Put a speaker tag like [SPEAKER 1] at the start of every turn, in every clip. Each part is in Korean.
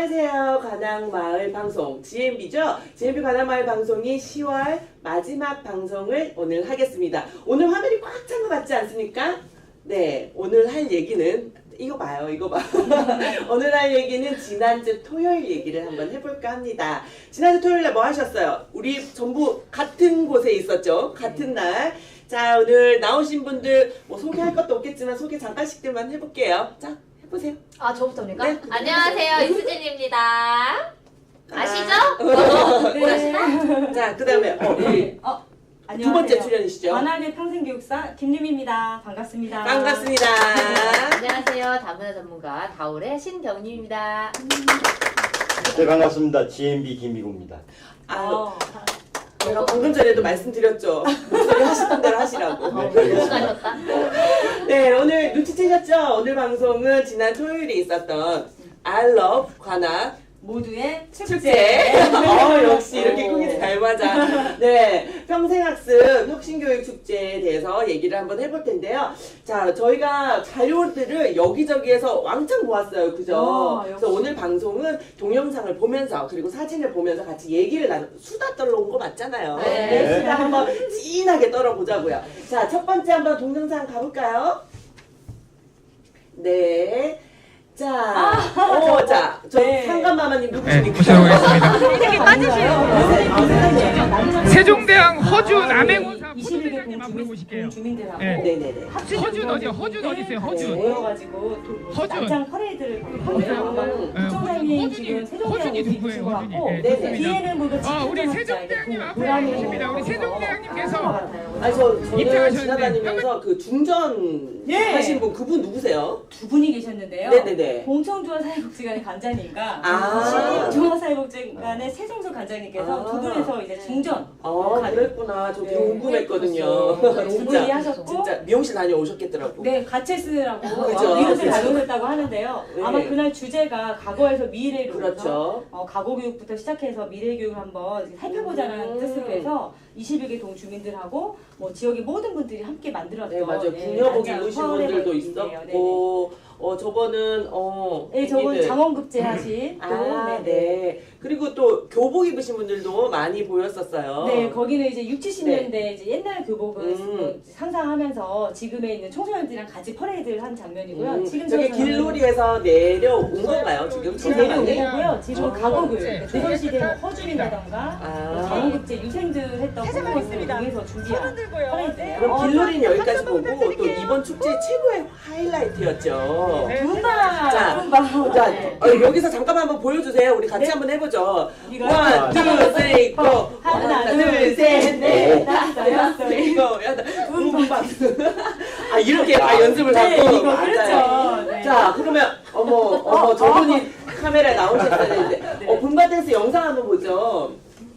[SPEAKER 1] 안녕하세요. 관악마을 방송 GMB죠? GMB 관악마을 방송이 10월 마지막 방송을 오늘 하겠습니다. 오늘 화면이 꽉 찬 것 같지 않습니까? 네, 오늘 할 얘기는 이거 봐요, 이거 봐. 오늘 할 얘기는 지난주 토요일 얘기를 한번 해볼까 합니다. 지난주 토요일에 뭐 하셨어요? 우리 전부 같은 곳에 있었죠? 같은 날. 자, 오늘 나오신 분들 뭐 소개할 것도 없겠지만 소개 잠깐씩들만 해볼게요. 자, 해보세요.
[SPEAKER 2] 아, 저부터입니까?
[SPEAKER 1] 네.
[SPEAKER 2] 안녕하세요, 이수진입니다. 아시죠?
[SPEAKER 1] 네. 자, 그 다음에 우리 두 번째 출연이시죠?
[SPEAKER 3] 관악의 평생교육사 김유미입니다. 반갑습니다.
[SPEAKER 1] 반갑습니다.
[SPEAKER 2] 안녕하세요, 다문화 전문가 다울의 신경림입니다.
[SPEAKER 4] 네, 반갑습니다. GMB 김미구입니다.
[SPEAKER 1] 제가 방금 전에도 말씀드렸죠. 목소리 하시던 대로 하시라고.
[SPEAKER 2] 수고하셨다.
[SPEAKER 1] 네, 오늘 눈치채셨죠? 오늘 방송은 지난 토요일에 있었던 I Love 관악
[SPEAKER 3] 모두의
[SPEAKER 1] 축제. 역시 이렇게 꾹이 잘 맞아. 네, 평생학습 혁신교육 축제에 대해서 얘기를 한번 해볼 텐데요. 자, 저희가 자료들을 여기저기에서 왕창 모았어요. 그죠? 그래서 오늘 방송은 동영상을 보면서 그리고 사진을 보면서 같이 얘기를 수다 떨러 온 거 맞잖아요.
[SPEAKER 2] 네.
[SPEAKER 1] 수다 한번 진하게 떨어보자고요. 자, 첫 번째 한번 동영상 가볼까요? 네. 자, 자, 저
[SPEAKER 3] 네.
[SPEAKER 1] 상감마마님
[SPEAKER 5] 네,
[SPEAKER 1] 누구십니까?
[SPEAKER 5] 모셔보겠습니다. 세종대왕 허주 남행원사
[SPEAKER 3] 21개
[SPEAKER 5] 부대장님 앞으로 모실게요.
[SPEAKER 3] 주민들하고
[SPEAKER 5] 네.
[SPEAKER 1] 네네네.
[SPEAKER 5] 허준 어디? 허준 어디 있어요? 허준.
[SPEAKER 3] 모여가지고
[SPEAKER 5] 허준.
[SPEAKER 3] 난장 퍼레이드를 합니다. 부총장님 지금 세종대왕
[SPEAKER 5] 허준이
[SPEAKER 3] 오신
[SPEAKER 5] 누구예요?
[SPEAKER 3] 것
[SPEAKER 5] 허준이.
[SPEAKER 3] 같고
[SPEAKER 5] 네,
[SPEAKER 1] 네네.
[SPEAKER 5] 좋습니다.
[SPEAKER 3] 뒤에는 모두
[SPEAKER 5] 우리 세종대왕님 앞에 계십니다. 우리 세종대왕님께서
[SPEAKER 1] 아니 저는
[SPEAKER 5] 입장하셨는데
[SPEAKER 1] 지나다니면서 그 중전
[SPEAKER 3] 예.
[SPEAKER 1] 하신 분 그분 누구세요?
[SPEAKER 3] 두 분이 계셨는데요.
[SPEAKER 1] 네네네.
[SPEAKER 3] 공청조화사회복지관의 관장님과
[SPEAKER 1] 아.
[SPEAKER 3] 신림조화사회복지관의 세종수 관장님께서 두 분에서 이제 중전
[SPEAKER 1] 그랬구나. 저
[SPEAKER 3] 네,
[SPEAKER 1] 궁금했거든요.
[SPEAKER 3] 두 분이 하셨고
[SPEAKER 1] 진짜 미용실 다녀오셨겠더라고.
[SPEAKER 3] 네, 같이 쓰라고
[SPEAKER 1] 그죠.
[SPEAKER 3] 미국을 다녀오셨다고 하는데요.
[SPEAKER 1] 네.
[SPEAKER 3] 아마 그날 주제가 과거에서 미래로
[SPEAKER 1] 그렇죠.
[SPEAKER 3] 과거 교육부터 시작해서 미래 교육을 한번 살펴보자는 뜻으로 해서 21개 동 주민들하고 뭐 지역의 모든 분들이 함께 만들었던
[SPEAKER 1] 네, 맞아요. 궁여복
[SPEAKER 3] 난장
[SPEAKER 1] 입으신
[SPEAKER 3] 퍼레이드
[SPEAKER 1] 분들도
[SPEAKER 3] 있네요.
[SPEAKER 1] 있었고, 저거는,
[SPEAKER 3] 네, 저건
[SPEAKER 1] 애기들.
[SPEAKER 3] 장원급제 하신 또
[SPEAKER 1] 네. 그리고 또 교복 입으신 분들도 많이 보였었어요.
[SPEAKER 3] 네, 거기는 이제 60, 70년대 이제 옛날 교복을
[SPEAKER 1] 음.
[SPEAKER 3] 상상하면서 지금에 있는 청소년들이랑 같이 퍼레이드를 한 장면이고요. 지금
[SPEAKER 1] 저게 길놀이에서 내려온 건가요? 지금
[SPEAKER 3] 내려온
[SPEAKER 1] 청소년이?
[SPEAKER 3] 거고요. 지금 가곡을 조선시대 뭐 허준이라던가 장원급제 유생들 했던 그것을 통해서 준비한 퍼레이드예요.
[SPEAKER 1] 그럼 길놀이는 여기까지 보고 또 이번 축제 최고의 하이라이트였죠.
[SPEAKER 3] 룸바!
[SPEAKER 1] 자,
[SPEAKER 3] 룸바!
[SPEAKER 1] 자,
[SPEAKER 3] 네.
[SPEAKER 1] 여기서 잠깐만 한번 보여주세요. 우리 같이
[SPEAKER 3] 네.
[SPEAKER 1] 한번 해보죠.
[SPEAKER 3] 이거요?
[SPEAKER 1] 원, 투, 쓰리, 포.
[SPEAKER 3] 하나, 둘, 셋, 넷, 다섯, 여섯,
[SPEAKER 1] 일곱, 여덟. 룸바. 이렇게 다 연습을
[SPEAKER 3] 네,
[SPEAKER 1] 하고.
[SPEAKER 3] 이거 그렇죠. 네.
[SPEAKER 1] 자, 그러면 어머, 저분이 카메라에 나오셨어야 되는데. 붐바 댄스 영상 한번 보죠.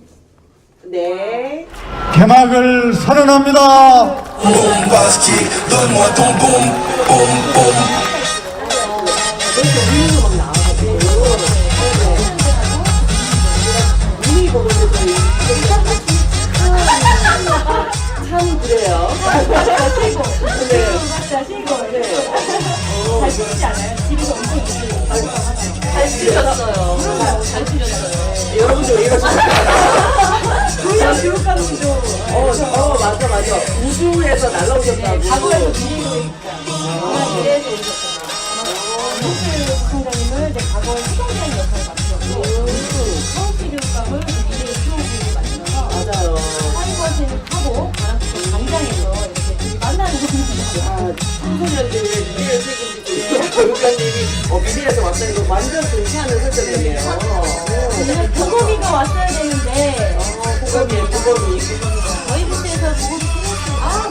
[SPEAKER 1] 네.
[SPEAKER 6] 개막을 선언합니다.
[SPEAKER 7] Bombastique, donne-moi ton boum, boum, boum.
[SPEAKER 1] 참 그래요.
[SPEAKER 3] 쉬고.
[SPEAKER 1] 네.
[SPEAKER 3] 맞다, 쉬고. 네. 잘 쉬지 않아요? 집에서 엄청 있어요.
[SPEAKER 2] 잘 치셨어요. 잘 치셨어요.
[SPEAKER 1] 여러분들 왜 이러십니까?
[SPEAKER 3] 교육감님도
[SPEAKER 1] 맞아. 우주에서 날라오셨다고.
[SPEAKER 3] 과거에서 미래교육이니까. 미래에서 오셨구나. 목표 부총장님은 이제 과거에 수동자인 역할을 맡으셨고, 서울시 교육감은 미래의 수호국을 맡으셔서
[SPEAKER 1] 맞아요.
[SPEAKER 3] 사회과실을 하고 관악구 광장에서 이렇게 둘이 만나는 분이에요.
[SPEAKER 1] 청소년들의 미래를 책임지고 교육관님이 미래에서 왔다는 거 완전 괜찮은 설정이에요.
[SPEAKER 3] 보검이가 왔어야 되는데
[SPEAKER 1] 보검이.
[SPEAKER 3] 저희 부스에서 보검이 생겼어요.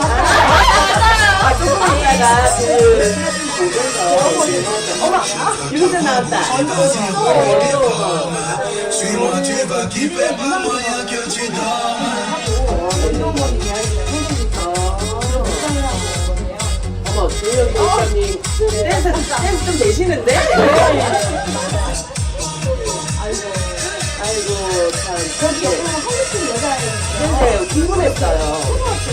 [SPEAKER 1] 조금 있다가 사진 보면서 어머, 유승준 나왔다. 어려워.
[SPEAKER 7] Suis-moi, tu vas kiffer, pas moyen que tu dormes.
[SPEAKER 3] 운동원이 이야기를 해주니까
[SPEAKER 1] 어머, 조영희 교육관님 댄스 좀 되시는데? 아이고, 참.
[SPEAKER 3] 저기 한국인 여자애인데
[SPEAKER 1] 근데 궁금했어요.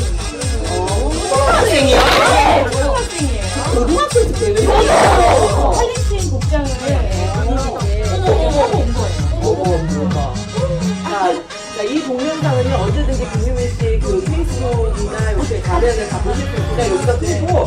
[SPEAKER 1] 초등학생이요?
[SPEAKER 3] 초등학생이에요.
[SPEAKER 1] 고등학생 되는 거예요.
[SPEAKER 3] 퀄리티 복장을 입으시는데
[SPEAKER 1] 자, 이 동영상은요, 언제든지 김유미 씨 그 페이스북이나 이렇게 가면을 다 보실 수 있으니까 여기다 뜨고.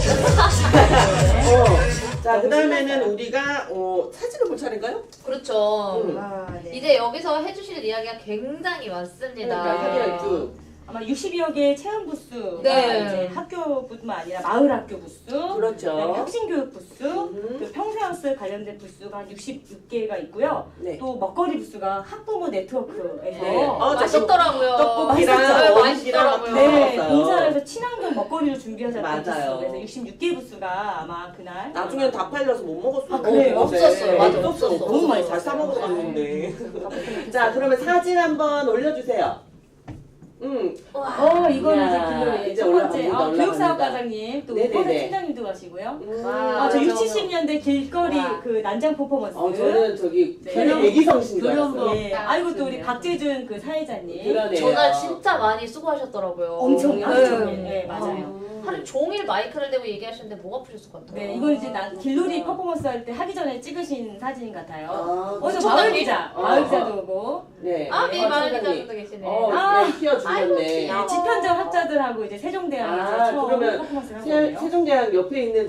[SPEAKER 1] 자, 그 다음에는 우리가, 사진을 볼 차례인가요?
[SPEAKER 2] 그렇죠.
[SPEAKER 3] 아, 네.
[SPEAKER 2] 이제 여기서 해주실 이야기가 굉장히 많습니다.
[SPEAKER 1] 그러니까 사진을 쭉.
[SPEAKER 3] 아마 60여 개의 체험 부스가
[SPEAKER 2] 네.
[SPEAKER 3] 이제 학교뿐만 아니라 마을 학교 부스,
[SPEAKER 1] 그렇죠.
[SPEAKER 3] 그다음에 혁신교육 부스, 그 평생학습 관련된 부스가 한 66개가 있고요.
[SPEAKER 1] 네.
[SPEAKER 3] 또 먹거리 부스가 학부모 네트워크에서
[SPEAKER 1] 네.
[SPEAKER 2] 맛있더라고요.
[SPEAKER 1] 떡볶이랑
[SPEAKER 2] 맛있었어요.
[SPEAKER 1] 어묵이랑
[SPEAKER 2] 맛있더라고요.
[SPEAKER 3] 네,
[SPEAKER 1] 먹었어요.
[SPEAKER 3] 인사를 해서 친환경 먹거리를 준비하자는
[SPEAKER 1] 맞아요.
[SPEAKER 3] 부스. 그래서 66개 부스가 아마 그날
[SPEAKER 1] 나중엔 다 팔려서 못 먹었어요.
[SPEAKER 3] 아, 그래요?
[SPEAKER 2] 없었어요. 맞아, 없었어.
[SPEAKER 1] 너무 많이
[SPEAKER 3] 없었어요.
[SPEAKER 1] 잘 싸먹었는데. 자, 그러면 사진 한번 올려주세요.
[SPEAKER 3] 이거는
[SPEAKER 1] 이야,
[SPEAKER 3] 이제
[SPEAKER 1] 이제
[SPEAKER 3] 첫 번째
[SPEAKER 1] 올라갑니다.
[SPEAKER 3] 교육사업과장님 또
[SPEAKER 1] 네네네.
[SPEAKER 3] 우퍼사 팀장님도 가시고요.
[SPEAKER 2] 와,
[SPEAKER 3] 저 6,
[SPEAKER 2] 맞아.
[SPEAKER 3] 70년대 길거리
[SPEAKER 2] 와.
[SPEAKER 3] 그 난장 퍼포먼스.
[SPEAKER 1] 저는 저기
[SPEAKER 3] 네.
[SPEAKER 1] 애기성신 줄 알았어요.
[SPEAKER 2] 교련법.
[SPEAKER 3] 예. 아이고 또 우리 박재준 그 사회자님.
[SPEAKER 1] 그러네요.
[SPEAKER 2] 전날 진짜 많이 수고하셨더라고요.
[SPEAKER 3] 엄청 하루
[SPEAKER 2] 네.
[SPEAKER 3] 종일. 네, 맞아요.
[SPEAKER 2] 하루 종일 마이크를 대고 얘기하셨는데 목 아프셨을 것 같아요.
[SPEAKER 3] 네, 이건 이제 길놀이 퍼포먼스 할 때 하기 전에 찍으신 사진 같아요. 어저
[SPEAKER 2] 부총장님?
[SPEAKER 3] 마을 기자, 마을 기자도 오고.
[SPEAKER 1] 네.
[SPEAKER 2] 네, 마을 기자분도 계시네.
[SPEAKER 1] 네, 키워주셨네.
[SPEAKER 3] 네, 집현전 학자들하고 이제 세종대학에서 처음
[SPEAKER 1] 그러면
[SPEAKER 3] 퍼포먼스를 한 거예요.
[SPEAKER 1] 세종대학 옆에 있는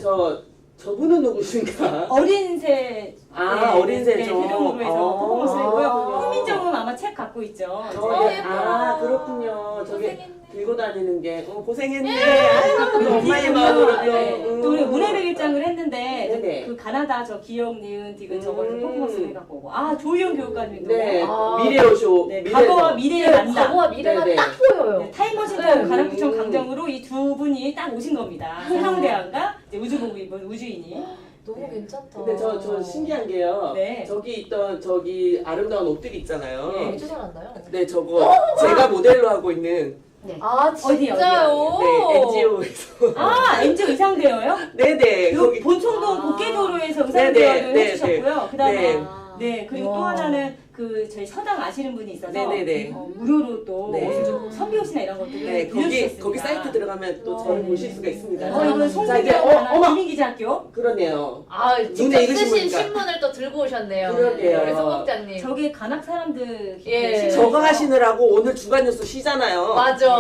[SPEAKER 1] 저분은 누구신가?
[SPEAKER 3] 어린새.
[SPEAKER 1] 어린새
[SPEAKER 3] 네,
[SPEAKER 1] 좀.
[SPEAKER 3] 대동으로 해서 퍼포먼스를 했고요.
[SPEAKER 1] 아.
[SPEAKER 3] 홍민정은 아마 책 갖고 있죠.
[SPEAKER 2] 예뻐라.
[SPEAKER 1] 그렇군요. 저게
[SPEAKER 2] 고생했네.
[SPEAKER 1] 들고 다니는 게 고생했네. 아이고, 또 엄마의 마음으로 또.
[SPEAKER 3] 네. 또 우리 문해백일장을 했는데
[SPEAKER 1] 네네.
[SPEAKER 3] 그 가나다 저 기억 니은 디귿 저걸 퍼포먼스를 해갖고 오고 조희영 교육관님도
[SPEAKER 1] 네.
[SPEAKER 2] 아.
[SPEAKER 1] 미래오쇼.
[SPEAKER 3] 네,
[SPEAKER 1] 미래죠.
[SPEAKER 3] 과거와 미래의 만남.
[SPEAKER 2] 과거와 미래가
[SPEAKER 1] 네네.
[SPEAKER 2] 딱 보여요.
[SPEAKER 3] 네, 타임머신 타고
[SPEAKER 2] 네.
[SPEAKER 3] 가락구청 강정으로 이 두 분이 딱 오신 겁니다. 세종대왕과 이제 우주복을 입은 우주인이.
[SPEAKER 2] 너무 괜찮다.
[SPEAKER 1] 근데 저 신기한 게요.
[SPEAKER 3] 네.
[SPEAKER 1] 저기 있던 아름다운 옷들이 있잖아요.
[SPEAKER 3] 네.
[SPEAKER 2] 어디서 살았나요?
[SPEAKER 1] 네, 저거 제가 모델로 하고 있는
[SPEAKER 2] 아
[SPEAKER 3] 어디요,
[SPEAKER 2] 진짜요?
[SPEAKER 1] 네, NGO에서.
[SPEAKER 3] NGO 의상대여요?
[SPEAKER 1] 네네.
[SPEAKER 3] 요 본청동 복개도로에서
[SPEAKER 1] 네네,
[SPEAKER 3] 의상대여를
[SPEAKER 1] 네,
[SPEAKER 3] 해주셨고요. 그 다음에
[SPEAKER 1] 네.
[SPEAKER 3] 네, 그리고 또
[SPEAKER 2] 와.
[SPEAKER 3] 하나는 그 저희 서당 아시는 분이 있어서
[SPEAKER 1] 네네네.
[SPEAKER 3] 무료로 또
[SPEAKER 1] 네.
[SPEAKER 3] 옷을 좀 선비옷이나 이런 것들을
[SPEAKER 1] 네,
[SPEAKER 3] 빌려주셨습니다.
[SPEAKER 1] 거기 사이트 들어가면 또 저를 보실 수가 있습니다.
[SPEAKER 3] 이건
[SPEAKER 1] 자,
[SPEAKER 3] 송기대
[SPEAKER 1] 이제,
[SPEAKER 3] 하나 김민기자학교.
[SPEAKER 1] 그러네요.
[SPEAKER 2] 아
[SPEAKER 1] 눈에
[SPEAKER 2] 직접
[SPEAKER 1] 익으신
[SPEAKER 2] 쓰신
[SPEAKER 1] 분이니까.
[SPEAKER 2] 신문을 또 들고 오셨네요.
[SPEAKER 1] 그러게요.
[SPEAKER 2] 우리 소극장님.
[SPEAKER 3] 저게 간악 사람들
[SPEAKER 2] 예.
[SPEAKER 1] 저거 하시느라고 오늘 주간 뉴스 쉬잖아요.
[SPEAKER 2] 맞아.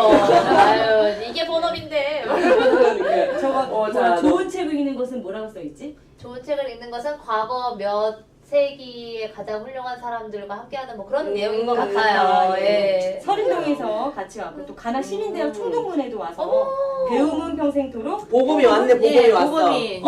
[SPEAKER 2] 아유 이게 본업인데.
[SPEAKER 1] 그러니까.
[SPEAKER 3] 저거
[SPEAKER 1] 자,
[SPEAKER 3] 좋은 책을 읽는 것은 뭐라고 써 있지?
[SPEAKER 2] 좋은 책을 읽는 것은 과거 몇 세기의 가장 훌륭한 사람들과 함께하는 뭐 그런 내용인 것 같아요. 예.
[SPEAKER 3] 서림동에서 같이 왔고 또 간악 시민대학 총동문회도 와서 배움은 평생토록
[SPEAKER 1] 보검이 왔네, 보검이
[SPEAKER 2] 예,
[SPEAKER 1] 왔어.
[SPEAKER 2] 보검이.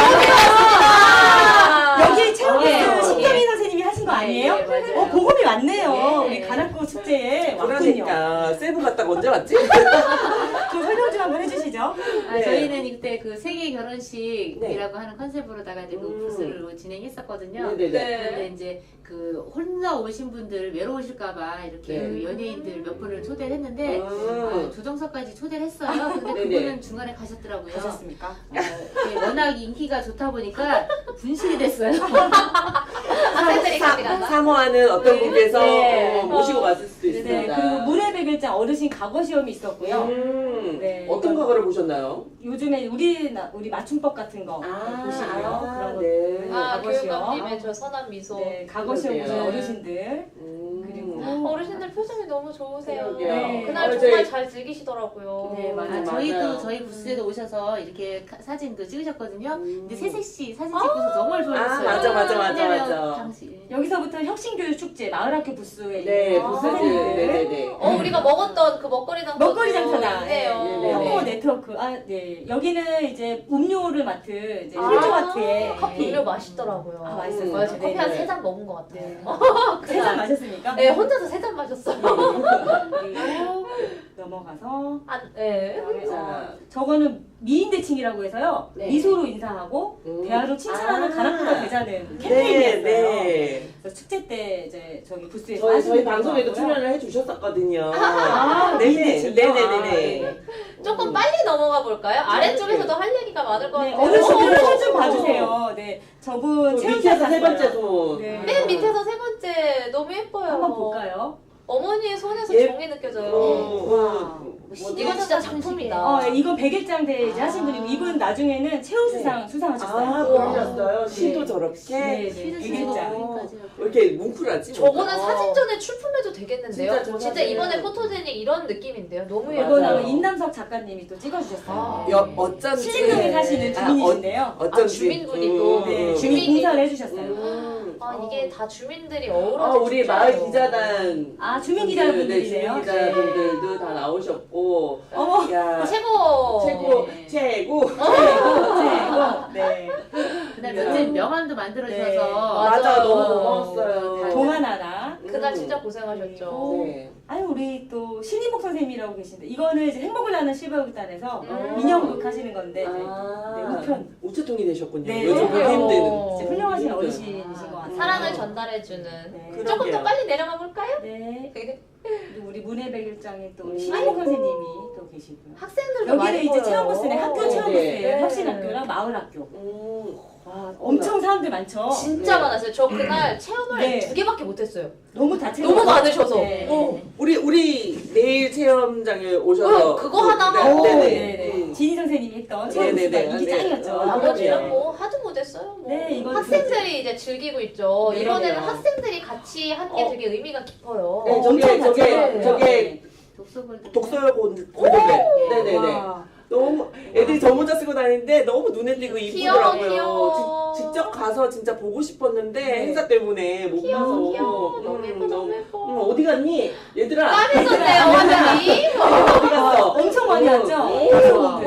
[SPEAKER 3] 여기 체험부스
[SPEAKER 2] 예.
[SPEAKER 3] 신경희 선생님이 하신 거 아니에요?
[SPEAKER 2] 예, 맞아요.
[SPEAKER 3] 보검이 왔네요.
[SPEAKER 2] 예.
[SPEAKER 3] 우리 간악고 축제에 왔군요.
[SPEAKER 1] 그러니까 세부 갔다가 언제 왔지?
[SPEAKER 3] 좀 설명 좀 한번 해주시죠.
[SPEAKER 1] 네.
[SPEAKER 8] 저희는 이때 그 세계 결혼식이라고
[SPEAKER 1] 네.
[SPEAKER 8] 하는 컨셉으로다가 이제 그 부스를 진행했었거든요.
[SPEAKER 1] 네네네.
[SPEAKER 8] 그런데 이제 그 혼자 오신 분들 외로우실까봐 이렇게
[SPEAKER 1] 네.
[SPEAKER 8] 그 연예인들 몇 분을 초대를 했는데 조정석까지 초대를 했어요. 근데
[SPEAKER 1] 네네.
[SPEAKER 8] 그분은 중간에 가셨더라고요.
[SPEAKER 3] 하셨습니까?
[SPEAKER 8] 이게 워낙 인기가 좋다 보니까 분실이 됐어요.
[SPEAKER 2] 학생들이 같이 간다.
[SPEAKER 1] 사모하는 어떤 분께서
[SPEAKER 3] 네.
[SPEAKER 1] 모시고 갔을 수도
[SPEAKER 3] 네,
[SPEAKER 1] 있습니다.
[SPEAKER 3] 그리고 문해백일장 어르신 과거 시험이 있었고요. 네,
[SPEAKER 1] 어떤
[SPEAKER 3] 이건-
[SPEAKER 1] 과거를 보셨나요?
[SPEAKER 3] 요즘에 우리 맞춤법 같은 거 보시고요. 그런 거.
[SPEAKER 1] 네.
[SPEAKER 2] 아
[SPEAKER 3] 과거 시험.
[SPEAKER 2] 교육감님의 저 선한 미소.
[SPEAKER 3] 네, 과거 시험 보신
[SPEAKER 1] 그러게요.
[SPEAKER 3] 어르신들. 그리고
[SPEAKER 2] 어르신들 표정이 너무 좋으세요.
[SPEAKER 1] 그러게요.
[SPEAKER 3] 네.
[SPEAKER 2] 그날
[SPEAKER 1] 오늘
[SPEAKER 2] 정말
[SPEAKER 1] 저희-
[SPEAKER 2] 잘 즐기시더라고요.
[SPEAKER 3] 네, 맞아요.
[SPEAKER 1] 맞아요.
[SPEAKER 8] 저희 부스에도 오셔서 이렇게 사진도 찍으셨거든요. 근데 세색씨 사진 찍고서 정말 좋아했어요.
[SPEAKER 1] 맞아.
[SPEAKER 8] 왜냐면 당시
[SPEAKER 3] 여기서부터 혁신교육 축제 마을학교 부스에
[SPEAKER 1] 네,
[SPEAKER 3] 있는
[SPEAKER 1] 부스즈.
[SPEAKER 3] 선생님들.
[SPEAKER 1] 네네네.
[SPEAKER 2] 우리가 먹었던 그 먹거리 장터.
[SPEAKER 3] 먹거리 장터다.
[SPEAKER 2] 있네요.
[SPEAKER 1] 네네네.
[SPEAKER 3] 학부모 네트워크. 네. 여기는 이제 음료를 맡은 이제
[SPEAKER 2] 아,
[SPEAKER 3] 필조마트의 커피.
[SPEAKER 2] 음료 맛있더라고요.
[SPEAKER 3] 아, 맛있었어요.
[SPEAKER 2] 맞아요. 저 커피 한
[SPEAKER 3] 네네.
[SPEAKER 2] 3잔 먹은 것 같아요.
[SPEAKER 3] 네.
[SPEAKER 2] 그날.
[SPEAKER 3] 세잔 마셨습니까?
[SPEAKER 2] 네, 혼자서 3잔 마셨어요.
[SPEAKER 3] 그리고 넘어가서
[SPEAKER 2] 네.
[SPEAKER 3] 그다음에
[SPEAKER 1] 자.
[SPEAKER 3] 저거는 미인대칭이라고 해서요.
[SPEAKER 1] 네.
[SPEAKER 3] 미소로 인사하고 대화로 칭찬하는
[SPEAKER 1] 아.
[SPEAKER 3] 가락부가 되자는
[SPEAKER 1] 네,
[SPEAKER 3] 캠페인이었어요.
[SPEAKER 1] 네.
[SPEAKER 3] 그래서 축제 때 이제 저기 부스에
[SPEAKER 1] 저희 방송에도 출연을 해주셨었거든요.
[SPEAKER 3] 아,
[SPEAKER 1] 네네.
[SPEAKER 3] 미인대칭이요?
[SPEAKER 1] 네네네.
[SPEAKER 2] 조금 빨리 넘어가 볼까요? 아래쪽에서도 할 얘기가 많을 것
[SPEAKER 3] 네,
[SPEAKER 2] 같아요.
[SPEAKER 3] 어르신들 손좀 봐주세요. 네, 저분
[SPEAKER 1] 또
[SPEAKER 3] 체험사
[SPEAKER 1] 밑에서 세
[SPEAKER 3] 갔어요.
[SPEAKER 1] 번째 소.
[SPEAKER 3] 네.
[SPEAKER 2] 맨 밑에서 세 번째 너무 예뻐요.
[SPEAKER 3] 한번 볼까요?
[SPEAKER 2] 어머니의 손에서
[SPEAKER 1] 예.
[SPEAKER 2] 정이 느껴져요.
[SPEAKER 1] 뭐,
[SPEAKER 2] 이건 진짜 작품이다.
[SPEAKER 3] 이건 100일장 대회 이제 하신 분이고 이분 나중에는 최우수상 수상하셨어요.
[SPEAKER 1] 아, 그러셨어요? 시도
[SPEAKER 3] 네.
[SPEAKER 1] 저렇게?
[SPEAKER 3] 네,
[SPEAKER 8] 퀴즈
[SPEAKER 3] 100일장.
[SPEAKER 1] 왜 이렇게 뭉클하지?
[SPEAKER 2] 저거는
[SPEAKER 1] 뭔가?
[SPEAKER 2] 사진전에 출품해도 되겠는데요?
[SPEAKER 1] 진짜
[SPEAKER 2] 진짜,
[SPEAKER 1] 저거는-
[SPEAKER 2] 이번에 포토제닉 이런 느낌인데요? 너무
[SPEAKER 1] 맞아요.
[SPEAKER 3] 이건
[SPEAKER 2] 예뻐요.
[SPEAKER 3] 아마 인남석 작가님이 또 찍어주셨어요.
[SPEAKER 1] 어쩐지.
[SPEAKER 3] 신림동에 사시는 주민이신데요.
[SPEAKER 1] 어쩐지.
[SPEAKER 2] 주민분이 또.
[SPEAKER 3] 네, 주민 공사를 해주셨어요.
[SPEAKER 2] 이게 다 주민들이 어우러진
[SPEAKER 1] 아, 우리
[SPEAKER 2] 축제예요.
[SPEAKER 1] 마을 기자단.
[SPEAKER 3] 아, 주민 기자분들이세요?
[SPEAKER 1] 네, 주민 기자분들도 다 나오셨고.
[SPEAKER 3] 어머,
[SPEAKER 1] 야,
[SPEAKER 2] 최고!
[SPEAKER 1] 최고,
[SPEAKER 8] 네.
[SPEAKER 1] 최고.
[SPEAKER 3] 최고. 네.
[SPEAKER 8] 그날 며칠 명함도 만들어주셔서
[SPEAKER 1] 맞아, 너무
[SPEAKER 2] 맞아요.
[SPEAKER 1] 고마웠어요.
[SPEAKER 3] 동안하라.
[SPEAKER 2] 그날 진짜 고생하셨죠.
[SPEAKER 1] 네.
[SPEAKER 3] 아유, 우리 또 신인복 선생님이라고 계신데 이거는 이제 행복을 나는 실버극단에서
[SPEAKER 2] 음.
[SPEAKER 3] 민영극 하시는 건데 이제
[SPEAKER 1] 아,
[SPEAKER 3] 네, 우편.
[SPEAKER 1] 우체통이 되셨군요.
[SPEAKER 3] 네,
[SPEAKER 1] 요즘
[SPEAKER 3] 그러게요.
[SPEAKER 1] 보기 힘든.
[SPEAKER 3] 진짜 훌륭하신
[SPEAKER 1] 힘든.
[SPEAKER 3] 어르신이신 것 같아요.
[SPEAKER 2] 사랑을 전달해주는.
[SPEAKER 3] 네.
[SPEAKER 1] 그러게요.
[SPEAKER 2] 조금 더 빨리 내려가 볼까요?
[SPEAKER 3] 네. 그리고 우리 문해백일장에 또
[SPEAKER 1] 음.
[SPEAKER 3] 신인복 선생님이 또 계시고요.
[SPEAKER 2] 학생들도 많이
[SPEAKER 3] 여기는 이제
[SPEAKER 2] 보여요.
[SPEAKER 3] 체험부스네. 학교 체험부스예요.
[SPEAKER 2] 네.
[SPEAKER 3] 혁신학교랑 마을학교.
[SPEAKER 1] 와,
[SPEAKER 3] 엄청 사람들 많죠.
[SPEAKER 2] 진짜
[SPEAKER 1] 네.
[SPEAKER 2] 많았어요. 저 그날 체험을
[SPEAKER 3] 네.
[SPEAKER 2] 2개밖에 못했어요.
[SPEAKER 3] 너무 다채로.
[SPEAKER 2] 너무 많으셔서.
[SPEAKER 3] 네.
[SPEAKER 1] 우리 내일 체험장에 오셔서
[SPEAKER 2] 그거 하나
[SPEAKER 1] 네,
[SPEAKER 2] 하고.
[SPEAKER 1] 네네.
[SPEAKER 3] 네네. 진희 선생님이 했던 체험부스가
[SPEAKER 1] 네네네.
[SPEAKER 3] 이게 짱이었죠.
[SPEAKER 1] 네.
[SPEAKER 2] 나머지는 뭐 하도 못했어요. 뭐.
[SPEAKER 3] 네, 이건
[SPEAKER 2] 학생들이 이제 즐기고 있죠.
[SPEAKER 3] 네,
[SPEAKER 2] 이번에는
[SPEAKER 3] 그러네요.
[SPEAKER 2] 학생들이 같이 한 게 되게 의미가 깊어요.
[SPEAKER 1] 네,
[SPEAKER 3] 엄청 다채로워요.
[SPEAKER 1] 저게
[SPEAKER 8] 독서골드
[SPEAKER 1] 독서골드벨. 네네네.
[SPEAKER 3] 와.
[SPEAKER 1] 너무 애들이 저 모자 쓰고 다니는데 너무 눈에 띄고 이쁘더라고요.
[SPEAKER 2] 귀여워.
[SPEAKER 1] 직접 가서 진짜 보고 싶었는데
[SPEAKER 3] 네.
[SPEAKER 1] 행사 때문에 못
[SPEAKER 2] 귀여워,
[SPEAKER 1] 가서.
[SPEAKER 2] 귀여워. 너무 예뻐, 너무 예뻐.
[SPEAKER 1] 어디 갔니? 얘들아.
[SPEAKER 2] 빠졌었네요, 완전히.
[SPEAKER 1] 어디 갔어?
[SPEAKER 3] 엄청 많이 왔죠?
[SPEAKER 1] 오.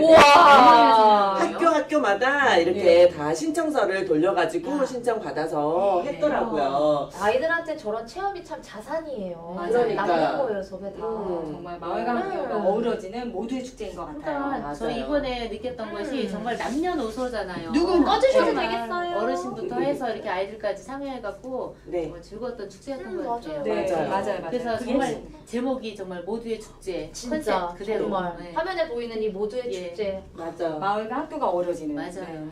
[SPEAKER 2] 우와.
[SPEAKER 1] 학교마다 이렇게
[SPEAKER 3] 네.
[SPEAKER 1] 다 신청서를 돌려가지고 신청 받아서
[SPEAKER 3] 네.
[SPEAKER 1] 했더라고요.
[SPEAKER 2] 아이들한테 저런 체험이 참 자산이에요.
[SPEAKER 1] 그러니까요.
[SPEAKER 2] 남는 거예요, 저게 다.
[SPEAKER 3] 정말 마을과 함께가 어우러지는 모두의 축제인 것 같아요.
[SPEAKER 8] 그러니까 저
[SPEAKER 1] 맞아요.
[SPEAKER 8] 이번에 느꼈던 것이 정말 남녀노소잖아요.
[SPEAKER 3] 누구나.
[SPEAKER 2] 꺼주셔도
[SPEAKER 8] 정말
[SPEAKER 2] 되겠어요.
[SPEAKER 8] 어르신부터 해서 이렇게 아이들까지 참여해갖고
[SPEAKER 1] 네.
[SPEAKER 8] 정말 즐거웠던 축제였던 것
[SPEAKER 2] 맞아요.
[SPEAKER 8] 같아요.
[SPEAKER 3] 네,
[SPEAKER 1] 맞아요.
[SPEAKER 3] 맞아요.
[SPEAKER 8] 그래서
[SPEAKER 3] 그게
[SPEAKER 8] 정말 제목이 정말 모두의 축제
[SPEAKER 2] 진짜
[SPEAKER 8] 컨셉 그대로.
[SPEAKER 2] 정말
[SPEAKER 8] 네.
[SPEAKER 2] 화면에 보이는 이 모두의
[SPEAKER 8] 예.
[SPEAKER 2] 축제.
[SPEAKER 1] 맞아.
[SPEAKER 3] 마을과 학교가 어우러지는.
[SPEAKER 8] 맞아요.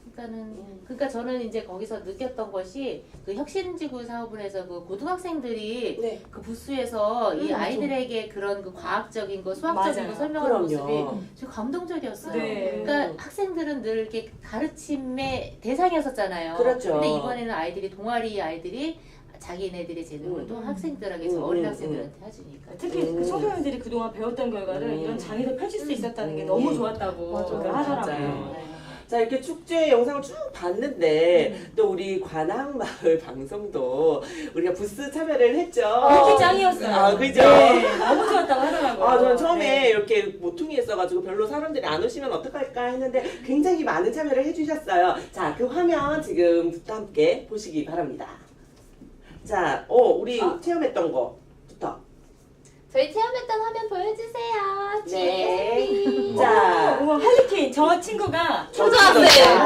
[SPEAKER 8] 그러니까 저는 이제 거기서 느꼈던 것이 그 혁신지구 사업을 해서 그 고등학생들이
[SPEAKER 1] 네.
[SPEAKER 8] 그 부스에서 이
[SPEAKER 3] 맞아.
[SPEAKER 8] 아이들에게 그런 그 과학적인 거, 수학적인
[SPEAKER 3] 맞아요.
[SPEAKER 8] 거 설명하는 모습이
[SPEAKER 1] 그럼요.
[SPEAKER 8] 좀 감동적이었어요.
[SPEAKER 3] 네.
[SPEAKER 8] 그러니까 학생들은 늘 이렇게 가르침의 대상이었었잖아요.
[SPEAKER 1] 그렇죠.
[SPEAKER 8] 근데 이번에는 아이들이 동아리 아이들이 자기네들의 재능을 또 학생들에게 어린 학생들한테 해주니까.
[SPEAKER 3] 특히 그 청소년들이 그동안 배웠던 결과를 이런 장애를 펼칠 수 있었다는 게 너무 좋았다고
[SPEAKER 1] 맞아요.
[SPEAKER 3] 하더라고요.
[SPEAKER 1] 맞아요.
[SPEAKER 3] 네.
[SPEAKER 1] 자, 이렇게 축제 영상을 쭉 봤는데 또 우리 관악마을 방송도 우리가 부스 참여를 했죠.
[SPEAKER 3] 그게 짱이었어요.
[SPEAKER 1] 아, 그죠?
[SPEAKER 3] 네, 너무 좋았다고 하더라고요.
[SPEAKER 1] 아, 저는 처음에
[SPEAKER 3] 네.
[SPEAKER 1] 이렇게 모퉁이 했어가지고 별로 사람들이 안 오시면 어떡할까 했는데 굉장히 많은 참여를 해주셨어요. 자, 그 화면 지금부터 함께 보시기 바랍니다. 자, 우리 체험했던 거부터.
[SPEAKER 2] 저희 체험했던 화면 보여주세요.
[SPEAKER 1] 네.
[SPEAKER 2] GSB.
[SPEAKER 1] 자,
[SPEAKER 3] 어머, 할리퀸 저 친구가
[SPEAKER 2] 초등학생.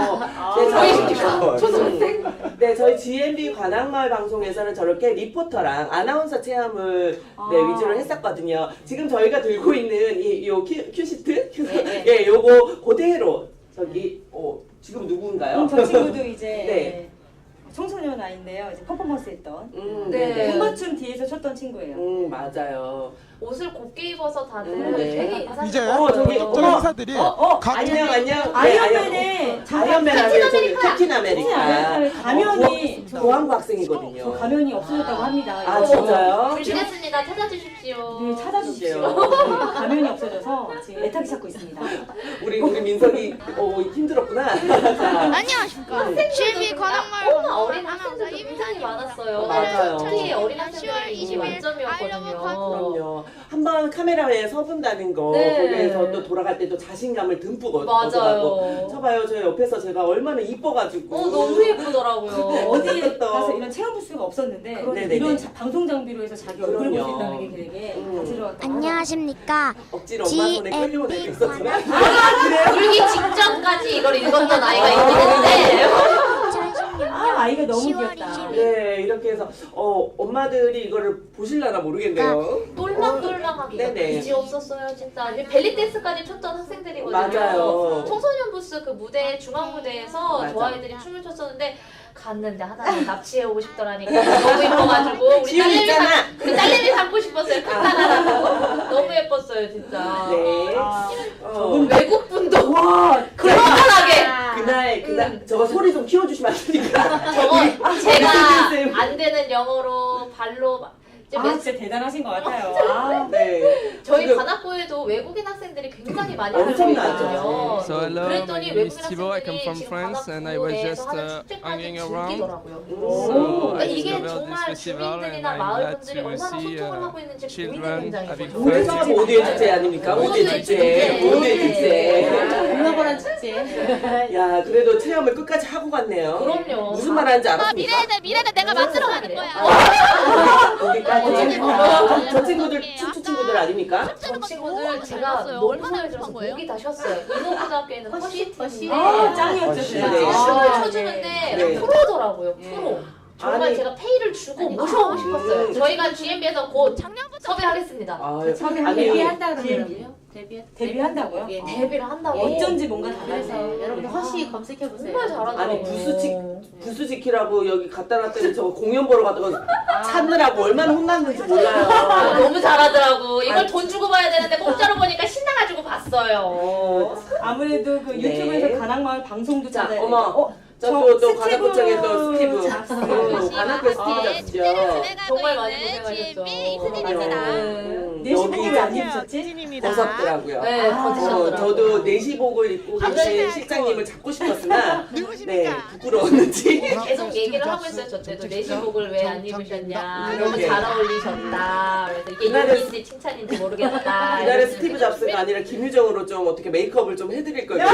[SPEAKER 1] 초등학생. 네, 저희 GMB 관악마을 방송에서는 저렇게 리포터랑 아나운서 체험을 위주로 했었거든요. 지금 저희가 들고 있는 요 큐시트? 예, 요거 그대로 저기 지금 누구인가요?
[SPEAKER 3] 저 친구도 이제
[SPEAKER 1] 네.
[SPEAKER 3] 청소년 아이인데요. 이제 퍼포먼스 했던
[SPEAKER 2] 네.
[SPEAKER 3] 군맞춤 뒤에서 췄던 친구예요.
[SPEAKER 1] 맞아요.
[SPEAKER 2] 옷을 곱게 입어서 다들
[SPEAKER 1] 네.
[SPEAKER 2] 되게 인상
[SPEAKER 6] 이제
[SPEAKER 1] 저기
[SPEAKER 6] 특정 행사들이 각
[SPEAKER 1] 안녕.
[SPEAKER 3] 아이언맨의
[SPEAKER 1] 아이언맨 하면 캡틴 아메리카.
[SPEAKER 3] 가면이
[SPEAKER 1] 고항구 학생이거든요.
[SPEAKER 3] 저 가면이 없어졌다고 합니다.
[SPEAKER 1] 아,
[SPEAKER 3] 이거.
[SPEAKER 1] 진짜요?
[SPEAKER 2] 준비됐습니다. 찾아주십시오.
[SPEAKER 3] 네, 찾아주십시오. 가면이 없어져서 지금 애타게 찾고 있습니다.
[SPEAKER 1] 우리 민석이 힘들었구나. 자,
[SPEAKER 5] 안녕하십니까. GMB 관악마을
[SPEAKER 2] 너무 어린
[SPEAKER 5] 아나운서
[SPEAKER 2] 학생들도 굉장히
[SPEAKER 5] 이민상입니다.
[SPEAKER 2] 많았어요.
[SPEAKER 1] 맞아요.
[SPEAKER 2] 특히 어린
[SPEAKER 5] 10월
[SPEAKER 2] 학생들이
[SPEAKER 5] 20일
[SPEAKER 2] 만점이었거든요.
[SPEAKER 1] 그럼요. 한번 카메라에 서본다는 거
[SPEAKER 2] 네.
[SPEAKER 1] 거기에서 또 돌아갈 때 또 자신감을 듬뿍 얻더라고.
[SPEAKER 2] 맞아요.
[SPEAKER 1] 쳐봐요, 저 옆에서 제가 얼마나 이뻐가지고.
[SPEAKER 2] 너무 예쁘더라고요.
[SPEAKER 3] 어디
[SPEAKER 1] 또.
[SPEAKER 3] 가서 이런 체험 부스가 없었는데
[SPEAKER 1] 네네네.
[SPEAKER 3] 이런 방송 장비로 해서 자기 얼굴을 볼 수
[SPEAKER 1] 그럼요.
[SPEAKER 3] 있다는 게 되게 다채로웠던
[SPEAKER 9] 안녕하십니까.
[SPEAKER 1] 억지로 엄마 손에 끌려온 애도 있었지만.
[SPEAKER 2] 울기 직전까지 이걸 읽었던 아이가 있긴 했는데
[SPEAKER 3] 아, 아이가 너무 귀엽다.
[SPEAKER 1] 네, 이렇게 해서 엄마들이 이거를 보실라나 모르겠네요.
[SPEAKER 2] 똘랑똘랑하게
[SPEAKER 1] 네네.
[SPEAKER 2] 그지 없었어요 진짜. 벨리 댄스까지 췄던 학생들이거든요.
[SPEAKER 1] 맞아요.
[SPEAKER 2] 청소년 부스 그 무대 중앙 무대에서
[SPEAKER 1] 맞아.
[SPEAKER 2] 저 아이들이 춤을 췄었는데 갔는데 하나는 납치해 오고 싶더라니까 너무 예뻐가지고
[SPEAKER 1] 지금 있잖아.
[SPEAKER 2] 우리 딸내미 갖고 싶었어요. 큰딸하고 너무 예뻤어요 진짜.
[SPEAKER 1] 네.
[SPEAKER 3] 아,
[SPEAKER 2] 외국 분도
[SPEAKER 1] 와,
[SPEAKER 2] 그럴만하게
[SPEAKER 1] 그날 저거 소리 좀 키워주시면 안 됩니까?
[SPEAKER 2] 저거 제가
[SPEAKER 1] 쌤.
[SPEAKER 2] 안 되는 영어로 발로 이제
[SPEAKER 3] 아, 진짜 대단하신 것 같아요. 아,
[SPEAKER 1] 네.
[SPEAKER 2] 저희
[SPEAKER 1] 지금
[SPEAKER 2] 관악구에도 외국인 학생들이 굉장히 많이
[SPEAKER 1] 엄청나죠.
[SPEAKER 2] 있거든요.
[SPEAKER 9] So hello, my
[SPEAKER 2] 그랬더니
[SPEAKER 9] name is
[SPEAKER 2] 외국인
[SPEAKER 9] Thibaut. I come
[SPEAKER 2] 학생들이
[SPEAKER 9] from
[SPEAKER 2] 지금
[SPEAKER 9] France, and I was just
[SPEAKER 2] 관악구에서 하는
[SPEAKER 9] hanging
[SPEAKER 2] 축제까지
[SPEAKER 9] around.
[SPEAKER 2] 즐기더라고요.
[SPEAKER 9] So
[SPEAKER 2] 그러니까
[SPEAKER 9] I
[SPEAKER 2] 이게
[SPEAKER 9] discovered this
[SPEAKER 2] 정말
[SPEAKER 9] festival, and
[SPEAKER 2] 주민들이나
[SPEAKER 9] I'm
[SPEAKER 2] 마을
[SPEAKER 9] glad
[SPEAKER 2] 분들이
[SPEAKER 9] to
[SPEAKER 2] 얼마나
[SPEAKER 9] see
[SPEAKER 2] 소통을 하고 있는지 보이는
[SPEAKER 9] children
[SPEAKER 2] 현장이거든요.
[SPEAKER 9] having
[SPEAKER 1] 모두가
[SPEAKER 9] fun.
[SPEAKER 1] 모두의 축제 아닙니까? 모두의
[SPEAKER 2] 모두의
[SPEAKER 1] 축제.
[SPEAKER 2] 축제.
[SPEAKER 1] 모두의 축제.
[SPEAKER 8] 글로벌한 축제.
[SPEAKER 1] 야, 그래도 체험을 끝까지 하고 갔네요.
[SPEAKER 2] 그럼요.
[SPEAKER 1] 무슨 말 하는지 알았습니까?
[SPEAKER 5] 미래는 내가 만들어 가는 거야.
[SPEAKER 1] 거기까지. 저 친구들 춤추 친구들 아닙니까?
[SPEAKER 2] 저 친구들 제가 너무 마음에 들어서 목이 다 쉬었어요. 인호고등학교에 있는 허쉬팀이
[SPEAKER 3] 아, 짱이었죠, 진짜.
[SPEAKER 1] 네.
[SPEAKER 2] 춤을
[SPEAKER 3] 아,
[SPEAKER 2] 춰주는데
[SPEAKER 1] 네.
[SPEAKER 2] 프로더라고요. 프로. 정말
[SPEAKER 1] 아니.
[SPEAKER 2] 제가 페이를 주고 모셔오고 싶었어요. 저희가 GMB에서 곧 섭외하겠습니다.
[SPEAKER 1] 아,
[SPEAKER 3] 섭외하겠다.
[SPEAKER 8] 데뷔한다
[SPEAKER 3] GMB.
[SPEAKER 8] 그러더라고요.
[SPEAKER 3] 데뷔한다고요?
[SPEAKER 8] 예.
[SPEAKER 2] 데뷔를 한다고.
[SPEAKER 3] 어쩐지 뭔가
[SPEAKER 8] 그래서
[SPEAKER 3] 달라서.
[SPEAKER 8] 여러분들 허시 검색해 보세요.
[SPEAKER 2] 정말 잘하더라고요.
[SPEAKER 1] 아니 부수 지키라고 여기 갖다 놨더니 저 공연 보러 갔다가 찾느라고 얼마나 혼났는지
[SPEAKER 2] 아,
[SPEAKER 1] 몰라요.
[SPEAKER 2] 너무 잘하더라고. 이걸 돈 주고 봐야 되는데 공짜로 보니까 신나가지고 봤어요.
[SPEAKER 3] 아무래도 그
[SPEAKER 1] 네.
[SPEAKER 3] 유튜브에서 가나마을 방송도
[SPEAKER 1] 자,
[SPEAKER 3] 찾아야
[SPEAKER 1] 어머.
[SPEAKER 3] 되고.
[SPEAKER 1] 또 관악구청에 또 스티브.
[SPEAKER 3] 잡스.
[SPEAKER 1] 관악구 스티브 잡스죠.
[SPEAKER 2] 정말 많이 고생하셨죠.
[SPEAKER 3] 내시복을 왜 안 입으셨지?
[SPEAKER 1] 벗었더라고요.
[SPEAKER 2] 네, 벗으셨더라고요.
[SPEAKER 1] 저도 내시복을 입고 계신 실장님을 잡고 싶었으나 네 부끄러웠는지.
[SPEAKER 2] 계속 얘기를 하고 있어요. 저 때도 내시복을 왜 안 입으셨냐. 너무
[SPEAKER 1] 그러게.
[SPEAKER 2] 잘 어울리셨다. 그래서 이게
[SPEAKER 1] 그날은-
[SPEAKER 2] 욕인지 칭찬인지 모르겠다.
[SPEAKER 1] 이날에 스티브 잡스가 아니라 김유정으로 좀 어떻게 메이크업을 좀 해드릴 거예요.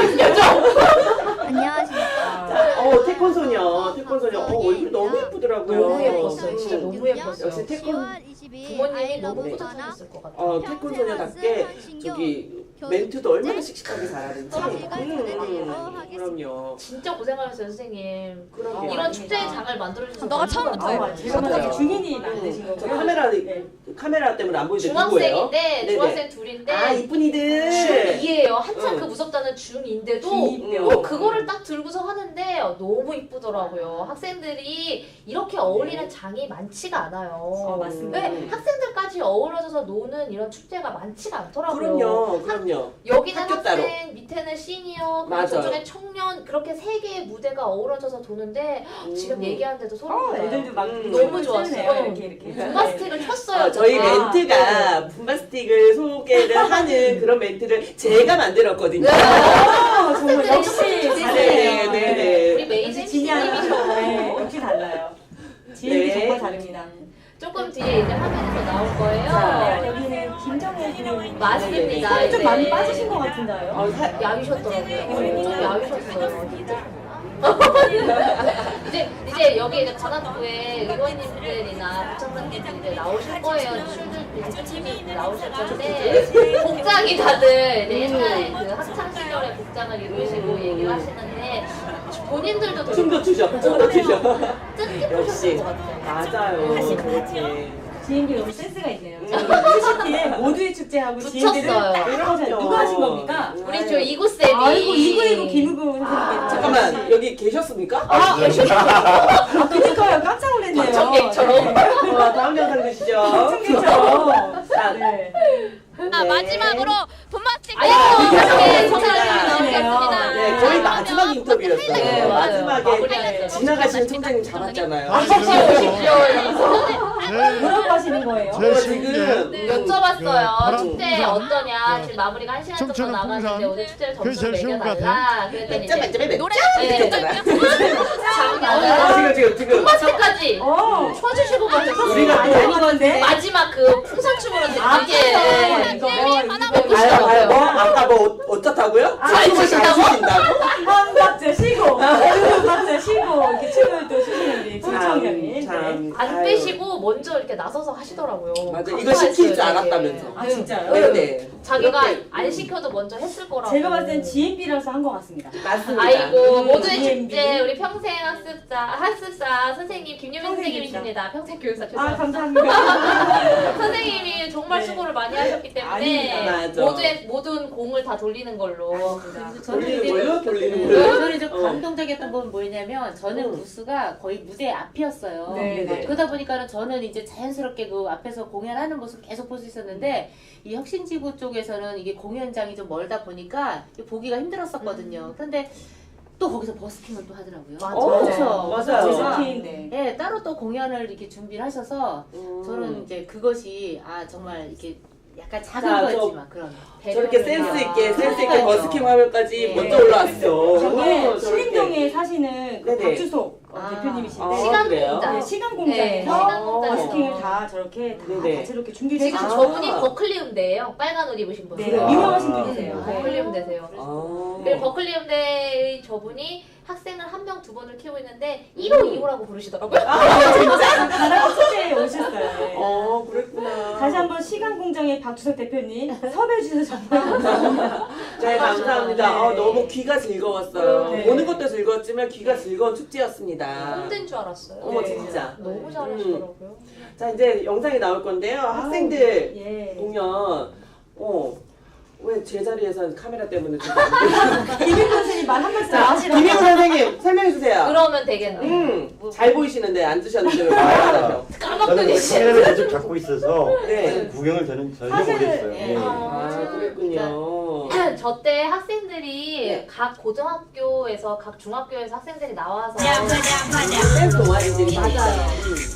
[SPEAKER 10] 안녕하십니까.
[SPEAKER 1] 태권 소녀. 얼굴 너무 예쁘더라고요.
[SPEAKER 2] 너무 예뻤어요. 진짜 너무 예뻤어요.
[SPEAKER 1] 역시 태권
[SPEAKER 2] 부모님이 너무 뿌듯하셨을 것 같아요.
[SPEAKER 1] 태권 소녀답게 저기 멘트도 얼마나 씩씩하게 잘하는지. 그럼요.
[SPEAKER 2] 진짜 고생하셨어요, 선생님.
[SPEAKER 1] 그러게요.
[SPEAKER 2] 이런 축제의 장을 만들어주셔서
[SPEAKER 10] 너가
[SPEAKER 2] 너무
[SPEAKER 10] 처음부터
[SPEAKER 2] 감사해요.
[SPEAKER 3] 제가 만약 중인이 만드신
[SPEAKER 1] 저
[SPEAKER 3] 거고요.
[SPEAKER 1] 카메라 때문에 안 보이는데 누구예요?
[SPEAKER 2] 중학생인데
[SPEAKER 1] 네네.
[SPEAKER 2] 중학생 둘인데
[SPEAKER 1] 아 이쁜이들.
[SPEAKER 2] 중2예요. 한참
[SPEAKER 1] 응.
[SPEAKER 2] 그 무섭다는 중2인데도
[SPEAKER 3] 중2요.
[SPEAKER 2] 그거를 딱 들고서 하는데 너무 이쁘더라고요. 학생들이 이렇게 어울리는 장이 많지가 않아요.
[SPEAKER 3] 맞습니다.
[SPEAKER 2] 네, 학생들까지 어우러져서 노는 이런 축제가 많지가 않더라고요.
[SPEAKER 1] 그럼요.
[SPEAKER 2] 여기는
[SPEAKER 1] 학교
[SPEAKER 2] 학생,
[SPEAKER 1] 따로.
[SPEAKER 2] 밑에는 시니어, 그리고
[SPEAKER 1] 맞아요.
[SPEAKER 2] 저쪽에 청년 그렇게 세 개의 무대가 어우러져서 도는데 지금 얘기하는데도 소름 돋아요.
[SPEAKER 3] 애들도 막
[SPEAKER 2] 너무 좋았어요.
[SPEAKER 3] 이렇게.
[SPEAKER 2] 분바스틱을 쳤어요.
[SPEAKER 1] 저희
[SPEAKER 2] 진짜.
[SPEAKER 1] 멘트가 분바스틱을 소개를 하는 그런 멘트를 제가 만들었거든요.
[SPEAKER 3] 정말 역시 잘해요.
[SPEAKER 1] 네.
[SPEAKER 2] 우리 메인
[SPEAKER 3] 역시 진이하나.
[SPEAKER 2] MC님이셔.
[SPEAKER 3] 네, 역시 달라요. 지인이
[SPEAKER 1] 네.
[SPEAKER 3] 정말 다릅니다.
[SPEAKER 2] 조금 뒤에 이제 화면에서 나올 거예요.
[SPEAKER 1] 자,
[SPEAKER 3] 여기는 김정혜 군
[SPEAKER 2] 맞습니다.
[SPEAKER 3] 살이 좀
[SPEAKER 2] 이제.
[SPEAKER 3] 많이 빠지신 것 같은데요.
[SPEAKER 2] 야위셨더라고요. 좀 야위셨어요. 이제 여기 이제 관악구에 의원님들이나 구청장님들이 이제 나오실 거예요. 춤들 나오실 건데 복장이 다들 이제 옛날에 그 학창 시절의 복장을 입으시고 얘기를 하시는데 본인들도 되게
[SPEAKER 1] 춤도 추죠.
[SPEAKER 2] 뜻깊으셨을
[SPEAKER 1] 역시
[SPEAKER 2] 것 같아요.
[SPEAKER 1] 맞아요. 그렇지.
[SPEAKER 3] 지인들 너무 센스가 있네요. 휴식기에 모두의 축제하고 지인들을
[SPEAKER 2] 붙였어요.
[SPEAKER 3] 딱 하셔요. 누가 하신 겁니까?
[SPEAKER 2] 우리 저 이구쌤이
[SPEAKER 3] 아이고 이구이구 김우구 선생님께
[SPEAKER 1] 잠깐만 여기 계셨습니까?
[SPEAKER 3] 그러니까요 깜짝 놀랐네요.
[SPEAKER 2] 방청객처럼.
[SPEAKER 1] 다음 영상 주시죠.
[SPEAKER 3] 방청객처럼.
[SPEAKER 1] 자,
[SPEAKER 3] 네.
[SPEAKER 10] 아, 마지막으로 분마스틱
[SPEAKER 2] 아이고, 이렇게
[SPEAKER 3] 청장님이
[SPEAKER 2] 나오셨습니다.
[SPEAKER 1] 네, 거의 마지막 인터뷰였어요.
[SPEAKER 2] 네, 맞아요.
[SPEAKER 1] 마지막에
[SPEAKER 2] 마무리하셨어요.
[SPEAKER 1] 지나가시는 총장님 잡았잖아요.
[SPEAKER 3] 뭐라고 하시는 거예요?
[SPEAKER 1] 지금
[SPEAKER 2] 여쭤봤어요. 축제 어떠냐? 지금 마무리가 1시간 정도
[SPEAKER 6] 춤추는
[SPEAKER 2] 남았는데
[SPEAKER 6] 풍선.
[SPEAKER 2] 오늘 축제를
[SPEAKER 6] 그게
[SPEAKER 2] 점수를
[SPEAKER 6] 제일 쉬운 것
[SPEAKER 2] 매겨달라. 그랬더니 이제
[SPEAKER 1] 몇
[SPEAKER 10] 노래
[SPEAKER 1] 이렇게 했잖아요.
[SPEAKER 2] 장난.
[SPEAKER 1] 지금
[SPEAKER 2] 분바스틱까지
[SPEAKER 3] 어.
[SPEAKER 2] 쳐주시고 가셨어요.
[SPEAKER 1] 우리가
[SPEAKER 3] 많이 하는 건데.
[SPEAKER 2] 마지막 그 풍선춤으로 되게
[SPEAKER 3] 이거
[SPEAKER 1] 아유, 아까 뭐 어쩌다고요?
[SPEAKER 2] 잘
[SPEAKER 1] 춤을 잘
[SPEAKER 2] 추신다고?
[SPEAKER 1] 추신다고?
[SPEAKER 3] 한 박자 쉬고 두 박자 쉬고 이렇게 춤을 또 추시는 우리
[SPEAKER 1] 자,
[SPEAKER 3] 시장님.
[SPEAKER 1] 참.
[SPEAKER 2] 안
[SPEAKER 1] 아유.
[SPEAKER 2] 빼시고 먼저 이렇게 나서서 하시더라고요.
[SPEAKER 1] 맞아. 이거
[SPEAKER 2] 감사했어요,
[SPEAKER 1] 시킬 줄
[SPEAKER 2] 되게.
[SPEAKER 1] 알았다면서.
[SPEAKER 3] 아 진짜요?
[SPEAKER 1] 네네.
[SPEAKER 2] 자기가
[SPEAKER 1] 이렇게.
[SPEAKER 2] 안 시켜도 먼저 했을 거라고.
[SPEAKER 3] 제가 봤을 땐 GMB라서 한 것 같습니다.
[SPEAKER 1] 맞습니다.
[SPEAKER 2] 아이고 모두의
[SPEAKER 3] GMB.
[SPEAKER 2] 축제 우리 평생 학습사 선생님 김유민 선생님이십니다. 평생 교육사
[SPEAKER 3] 아
[SPEAKER 2] 죄송합니다.
[SPEAKER 3] 감사합니다.
[SPEAKER 2] 선생님이 정말
[SPEAKER 3] 네.
[SPEAKER 2] 수고를 많이 하셨기 때문에
[SPEAKER 3] 아닙니다.
[SPEAKER 1] 맞아.
[SPEAKER 2] 모든 공을 다 돌리는 걸로.
[SPEAKER 3] 아닙니다.
[SPEAKER 8] 저는
[SPEAKER 1] 돌리는
[SPEAKER 8] 이제
[SPEAKER 1] 걸로? 돌리는 걸로?
[SPEAKER 8] 저는 좀
[SPEAKER 1] 어.
[SPEAKER 8] 감동적이었던 건 뭐냐면 저는 부스가 거의 무대 앞이었어요.
[SPEAKER 3] 네,
[SPEAKER 1] 네.
[SPEAKER 8] 그러다 보니까는 저는 이제 자연스럽게 그 앞에서 공연하는 모습 계속 볼 수 있었는데 이 혁신지구 쪽에서는 이게 공연장이 좀 멀다 보니까 보기가 힘들었었거든요. 그런데 또 거기서 버스킹을 또 하더라고요.
[SPEAKER 1] 맞아요. 맞아요.
[SPEAKER 3] 버스킹, 네.
[SPEAKER 8] 네, 따로 또 공연을 이렇게 준비를 하셔서 저는 이제 그것이 정말 이렇게 약간 작은
[SPEAKER 1] 자,
[SPEAKER 8] 거였지만 그런
[SPEAKER 1] 저렇게
[SPEAKER 8] 배려를
[SPEAKER 1] 센스 있게
[SPEAKER 8] 그러니까요.
[SPEAKER 1] 버스킹 화면까지
[SPEAKER 8] 네.
[SPEAKER 1] 먼저 올라왔어.
[SPEAKER 3] 저게
[SPEAKER 1] 저렇게.
[SPEAKER 3] 신림동에 사시는 그
[SPEAKER 1] 네네.
[SPEAKER 3] 박주석
[SPEAKER 8] 아.
[SPEAKER 3] 대표님이신데
[SPEAKER 1] 아,
[SPEAKER 2] 시간
[SPEAKER 1] 그래요?
[SPEAKER 2] 공장.
[SPEAKER 3] 네, 시간
[SPEAKER 2] 네,
[SPEAKER 3] 공장에서
[SPEAKER 2] 시간 공장에서.
[SPEAKER 3] 버스킹을 다 저렇게 다
[SPEAKER 1] 네네.
[SPEAKER 3] 다채롭게 준비를
[SPEAKER 2] 지금
[SPEAKER 3] 해주셔서
[SPEAKER 2] 저분이 버클리 음대예요. 빨간 옷 입으신 분.
[SPEAKER 3] 네,
[SPEAKER 1] 그래요?
[SPEAKER 3] 유명하신
[SPEAKER 1] 아.
[SPEAKER 3] 분이세요. 네.
[SPEAKER 2] 버클리 음대세요.
[SPEAKER 1] 아.
[SPEAKER 2] 그리고 버클리 음대의 저분이 학생을 한 명 두 번을 키우고 있는데 1호 2호라고 부르시더라고요.
[SPEAKER 3] 가라고 축제에 오셨어요. 네.
[SPEAKER 1] 그랬구나.
[SPEAKER 3] 다시 한번 시간 공장의 박주석 대표님 섭외해 주셔서 정말 감사합니다.
[SPEAKER 1] 네, 감사합니다.
[SPEAKER 3] 네.
[SPEAKER 1] 너무 귀가 즐거웠어요.
[SPEAKER 3] 네.
[SPEAKER 1] 보는 것도 즐거웠지만 귀가 즐거운 축제였습니다.
[SPEAKER 2] 홍대인 줄 알았어요.
[SPEAKER 1] 어머,
[SPEAKER 3] 네.
[SPEAKER 1] 진짜.
[SPEAKER 2] 너무 잘하시더라고요.
[SPEAKER 1] 자, 이제 영상이 나올 건데요. 학생들
[SPEAKER 3] 예.
[SPEAKER 1] 공연, 왜 제자리에서 카메라 때문에 지금
[SPEAKER 3] 이민 선생님 말 한 말씀
[SPEAKER 1] 자,
[SPEAKER 3] 하시라고.
[SPEAKER 1] 김희우 선생님 설명해주세요.
[SPEAKER 2] 그러면 되겠네.
[SPEAKER 1] 잘 보이시는데 앉으셨는데 왜 말을 안 하셔?
[SPEAKER 2] 까먹더니
[SPEAKER 4] 카메라를 계속 잡고 있어서
[SPEAKER 1] 네.
[SPEAKER 4] 구경을 저는 전혀
[SPEAKER 3] 사실,
[SPEAKER 4] 못했어요.
[SPEAKER 8] 예.
[SPEAKER 4] 예.
[SPEAKER 1] 아, 그랬군요.
[SPEAKER 2] 저 때 학생들이
[SPEAKER 1] 네.
[SPEAKER 2] 각 고등학교에서 각 중학교에서 학생들이 나와서
[SPEAKER 1] 댄스 동아리들이
[SPEAKER 2] 맞아요.